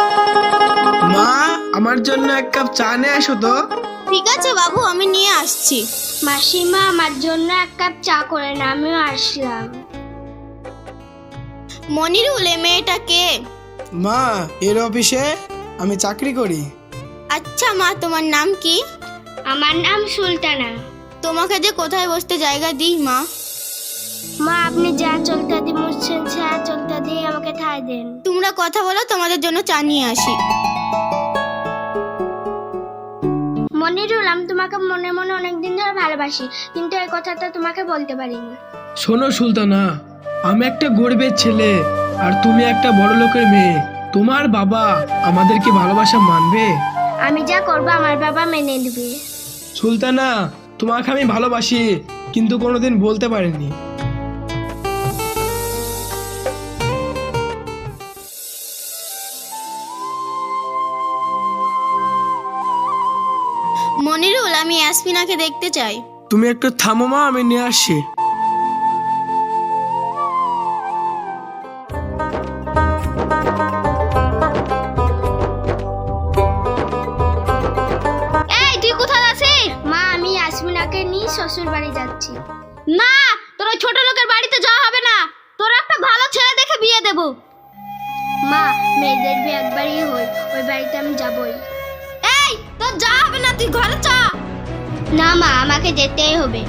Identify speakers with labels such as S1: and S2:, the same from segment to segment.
S1: মা, আমার জন্য এক কাপ চা নিয়ে এসো তো।
S2: ঠিক আছে বাবু, আমি নিয়ে আসছি।
S3: মাসিমা, আমার জন্য এক কাপ চা করে না, আমিও আসলাম।
S2: মনিরুল, এ মেয়েটা কে?
S1: মা, এর অফিসে আমি চাকরি করি।
S2: আচ্ছা মা, তোমার নাম কি?
S3: আমার নাম সুলতানা।
S2: তোমাকে যে কোথায় বসতে জায়গা দিই মা?
S3: মা, আপনি যা চলতে দি মুছছেন, যা চলতে দিয়ে আমাকে ঠাই দেন।
S2: তোমরা কথা বলো, তোমাদের জন্য চা নিয়ে আসি।
S3: মনিরুল, আমি তোমাকে মনে মনে অনেকদিন ধরে ভালোবাসি, কিন্তু এই কথাটা তোমাকে বলতে পারিনি।
S1: শোনো সুলতানা, আমি একটা গরিবের ছেলে আর তুমি একটা বড় লোকের মেয়ে। তোমার বাবা আমাদেরকে ভালোবাসা মানবে?
S3: আমি যা করবো আমার বাবা মেনে নেবে।
S1: সুলতানা, তোমাকে আমি ভালোবাসি, কিন্তু কোনোদিন বলতে পারিনি।
S2: মনিরুল, আমি ইয়াসমিনাকে দেখতে চাই।
S1: তুমি একটু থামো মা, আমি নিয়ে আসছি।
S2: এই, তুই কোথায় আছিস?
S3: মা, আমি ইয়াসমিনাকে নিয়ে শ্বশুর বাড়ি যাচ্ছি।
S2: না, তোর ওই ছোট লোকের বাড়িতে যাওয়া হবে না। তোর একটা ভালো ছেলে দেখে বিয়ে দেব।
S3: মা, মেয়েদের বিয়ে একবারই হয়, ওই বাড়িতে আমি যাবই।
S2: এই, তোর যাওয়া হবে না, তুই ঘরে চা।
S3: না মা, আমাকে যেতেই হবে।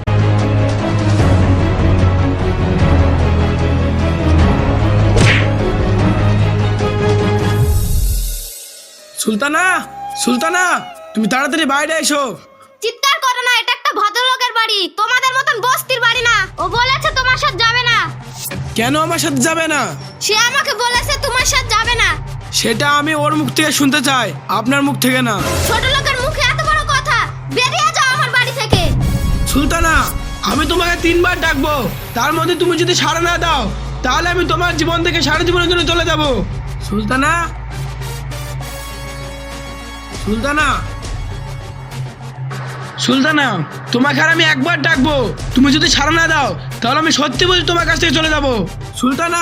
S1: সুলতানা, সুলতানা, তুমি তাড়াতাড়ি বাইরে এসো।
S2: চিৎকার করো না, এটা একটা ভদ্রলোকের বাড়ি, তোমাদের মতন বস্তির বাড়ি না। ও বলেছে তোমার সাথে যাবে না।
S1: কেন আমার সাথে যাবে না?
S2: সে আমাকে বলেছে তোমার সাথে যাবে না।
S1: সেটা আমি ওর মুখ থেকে শুনতে চাই, আপনার মুখ থেকে না।
S2: ছোট লোকের মুখে এত বড় কথা, বেরিয়ে যাও আমার বাড়ি থেকে।
S1: সুলতানা, আমি তোমাকে 3 বার ডাকবো, তার মধ্যে তুমি যদি সাড়া না দাও তাহলে আমি তোমার জীবন থেকে সারা জীবনের জন্য চলে যাব। সুলতানা, সুলতানা, সুলতানা, তোমাকে আর আমি একবার ডাকবো, তুমি যদি সাড়া না দাও তাহলে আমি সত্যি বলছি তোমার কাছ থেকে চলে যাব। সুলতানা,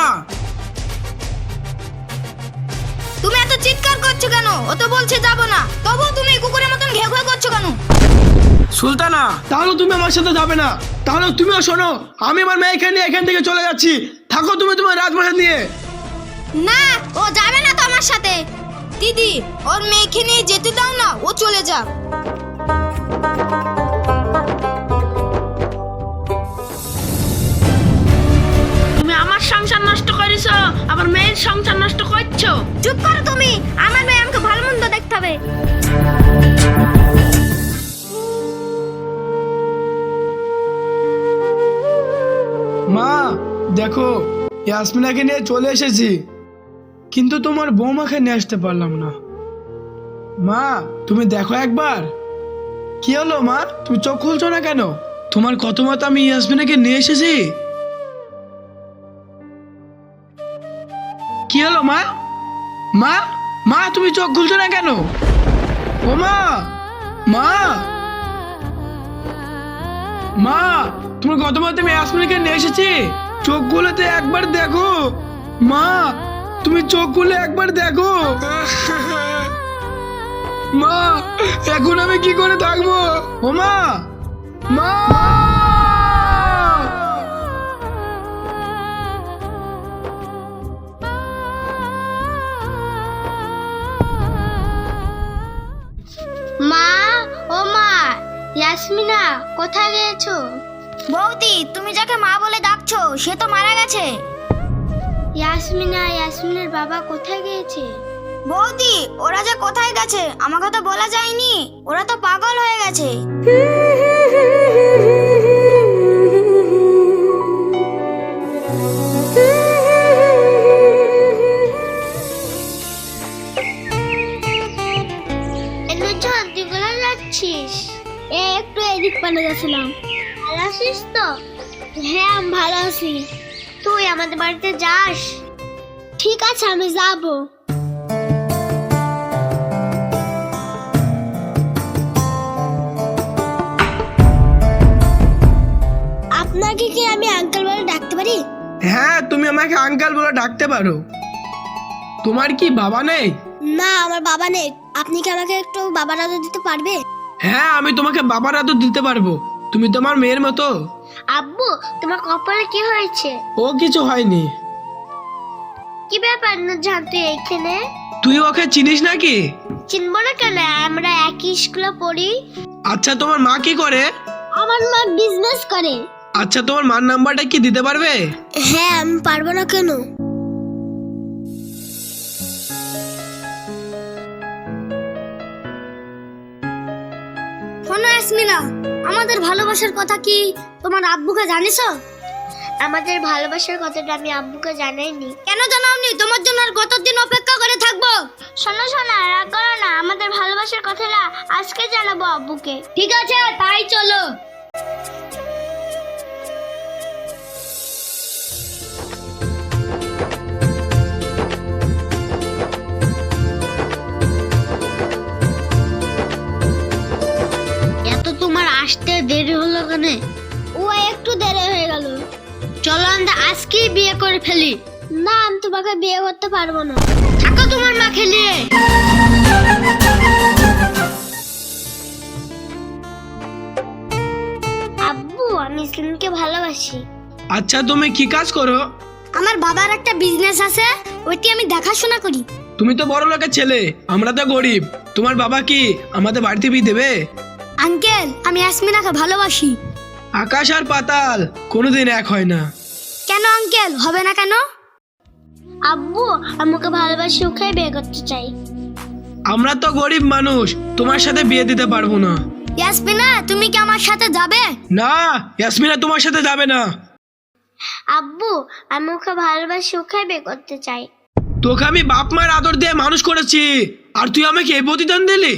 S2: তুমি এত চিৎকার করছো কেন? ও তো বলছে যাবো না, তবুও তুমি কুকুরের মতন ঘেউ ঘেউ করছো কেন?
S1: সুলতানা, তাহলে তুমি আমার সাথে যাবে না, তাহলে তুমিও শোনো, আমি আমার মেয়েকে নিয়ে এখান থেকে চলে যাচ্ছি। থাকো তুমি তোমার রাজমহল নিয়ে।
S2: না, ও যাবে না তো আমার সাথে। দিদি, ওর মেয়েকে নিয়ে যেতে দাও না, ও চলে যাক।
S4: তুমি আমার সংসার নষ্ট করেছো, আবার মেয়ের সংসার নষ্ট করছো।
S2: চুপ করো তুমি, আমার মেয়ে আমাকে ভালো মন্দ দেখতে হবে।
S1: মা, দেখো, ইয়াসমিনাকে নিয়ে চলে এসেছি, কিন্তু তোমার বৌমাকে নিয়ে আসতে পারলাম না। মা, তুমি দেখো একবার। কি হলো মা, তুমি চোখ খুলছো না কেন? তোমার কত মত আমি ইয়াসমিনাকে নিয়ে এসেছি। কি হলো মা? মা, মা, তুমি চোখ খুলছো না কেন? ও মা, মা, মা, তোমার কত মত আমি ইয়াসমিনাকে নিয়ে এসেছি, চোখ খুলেতে একবার দেখো। মা, তুমি চোখ খুলে একবার দেখো। মা, এখন আমি কি করে থাকবো? ও মা, মা,
S3: মা, ও মা, ইয়াসমিনা কোথায় গিয়েছো?
S2: বৌদি, তুমি যাকে মা বলে ডাকছো সে তো মারা গেছে।
S3: ইয়াসমিনা, ইয়াসমিনের বাবা কোথায় গিয়েছে?
S2: বৌদি, ওরা যে কোথায় গেছে আমাকে তো বলা যায়নি, ওরা তো পাগল হয়ে গেছে।
S3: একটু এদিক পানে যাচ্ছিলাম। ভালো আছিস তো? হ্যাঁ, আমি ভালো আছি। তুই আমাদের বাড়িতে যাস? ঠিক আছে, আমি যাব। আপনাকে কি আমি আঙ্কেল বলে ডাকতে পারি?
S1: হ্যাঁ, তুমি আমাকে আঙ্কেল বলে ডাকতে পারো। তোমার কি বাবা নেই?
S3: না, আমার বাবা নেই। আপনি কি আমাকে একটু বাবার আদর দিতে পারবে?
S1: হ্যাঁ, আমি তোমাকে বাবার আদর দিতে পারবো। তুমি তোমার মেয়ের মতো।
S3: আব্বু, তোমার কপালে কি হয়েছে?
S1: ও কিছু হয়নি।
S3: কি ব্যাপার নুরজাহান, তুই এখানে?
S1: তুই ওকে চিনিস নাকি?
S3: চিনবো না কেন, আমরা একই স্কুলে পড়ি।
S1: আচ্ছা, তোমার মা কি করে?
S3: আমার মা বিজনেস করে।
S1: আচ্ছা, তোমার মার নাম্বারটা কি দিতে পারবে?
S3: হ্যাঁ, আমি পারবো না কেন?
S2: শোনো ইয়াসমিনা, আমাদের ভালোবাসার কথা কি তোমার আব্বুকে জানিছো?
S3: আমাদের ভালোবাসার কথাটা আমি আব্বুকে জানাইনি।
S2: কেন জানাওনি? তোমার জন্য আর কতদিন অপেক্ষা করে থাকবো?
S3: শোনো শোনো, রাগ করো না, আমাদের ভালোবাসার কথাটা আজকে জানাবো আব্বুকে।
S2: ঠিক আছে, তাই চলো।
S3: এত তোমার আসতে দেরি হলো কেন? ও একটু দেরি হয়ে গেল। চলো আমরা আজকেই বিয়ে করে ফেলি। না, আমি তোমাকে বিয়ে করতে পারবো না। থাকো তোমার মা খেলিয়ে। আব্বু, আমি ইসলামকে ভালোবাসি।
S1: আচ্ছা, তুমি কি কাজ করো?
S2: আমার বাবার একটা বিজনেস আছে, ওইটি আমি দেখাশোনা করি।
S1: তুমি তো বড় লোকের ছেলে, আমরা তো গরিব। তোমার বাবা কি আমাদের বাড়িতে বিয়ে দেবে?
S2: আঙ্কেল, আমি ইয়াসমিনাকে ভালোবাসি।
S1: আকাশ আর পাতাল কোনোদিন এক হয় না।
S2: কেন আঙ্কেল, হবে না কেন?
S3: আব্বু, আমাকে ভালোবাসি, ওকে বিয়ে করতে চাই।
S1: আমরা তো গরিব মানুষ, তোমার সাথে বিয়ে দিতে পারবো না।
S2: ইয়াসমিনা, তুমি কি আমার সাথে যাবে?
S1: না, ইয়াসমিনা তোমার সাথে যাবে না।
S3: আব্বু, আমি ওকে ভালোবাসি, ওকে বিয়ে করতে চাই।
S1: তোকে আমি বাপ মায়ের আদর দিয়ে মানুষ করেছি, আর তুই আমাকে এই প্রতিদান দিলি?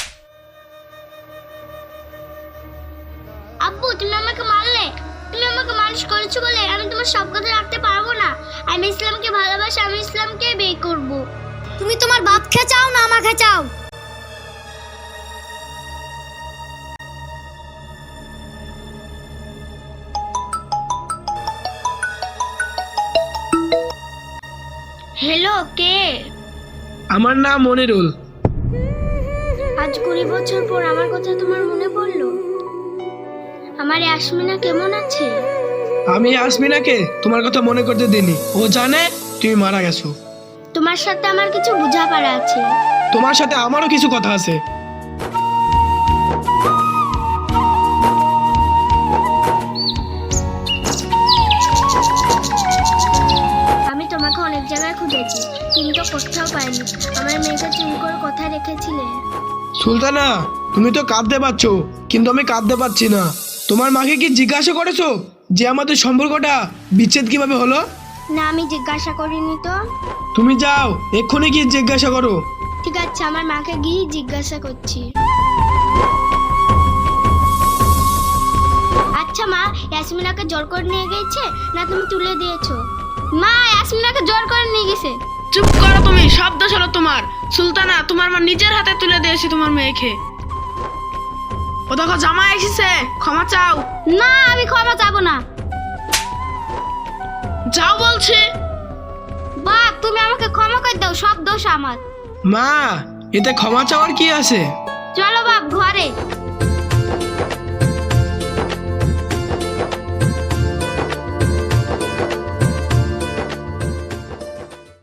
S3: আব্বু, তুমি আমাকে মারলে। তুমি আমাকে মানুষ করেছো বলে আমি তোমার সব কথা রাখতে পারবো না। আমি ইসলামকে ভালোবাসি, আমি ইসলামকে বিয়ে করব।
S2: তুমি তোমার বাপকে চাও না আমাকে চাও?
S3: হ্যালো, কে?
S1: আমার নাম মনিরুল।
S3: আজ 20 বছর পর আমার কথা তোমার মনে পড়লো। আমার ইয়াসমিনা কেমন আছে?
S1: আমি ইয়াসমিনাকে তোমার কথা মনে করতে দিইনি। ও জানে তুমি মারা গেছো।
S3: তোমার সাথে আমার কিছু বোঝাপড়া আছে।
S1: তোমার সাথে আমারও কিছু কথা আছে।
S3: আমি তোমাকে অনেক জায়গায় খুঁজেছি, কিন্তু কোথাও পাইনি। আমার মেয়েকে তুমি করে কথা রেখেছিলে।
S1: সুলতানা, তুমি তো কাঁদতে পারছো, কিন্তু আমি কাঁদতে পারছি না। তোমার মাকে কি জিজ্ঞাসা করেছো যে আমাদের সম্পর্কটা বিচ্ছেদ কিভাবে হলো?
S3: না, আমি জিজ্ঞাসা করিনি তো।
S1: তুমি যাও, এক্ষুনি গিয়ে জিজ্ঞাসা করো।
S3: ঠিক আছে, আমার মাকে গিয়ে জিজ্ঞাসা করছি। আচ্ছা মা, ইয়াসমিনাকে জোর করে নিয়ে গেছে না তুমি তুলে দিয়েছো? মা, ইয়াসমিনাকে জোর করে নিয়ে গেছে।
S4: চুপ করো তুমি, সব দোষ হলো তোমার। সুলতানা, তোমার মা নিজের হাতে তুলে দিয়েছে তোমার মেয়েকে। ও দেখো জামাই এসেছে, ক্ষমা চাও।
S2: না, আমি ক্ষমা চাবো না।
S4: যাও বলছি।
S2: বাপ, তুমি আমাকে ক্ষমা করে দাও, সব দোষ আমার।
S1: মা, এতে ক্ষমা চাওয়ার কি আছে?
S2: চলো বাপ ঘরে।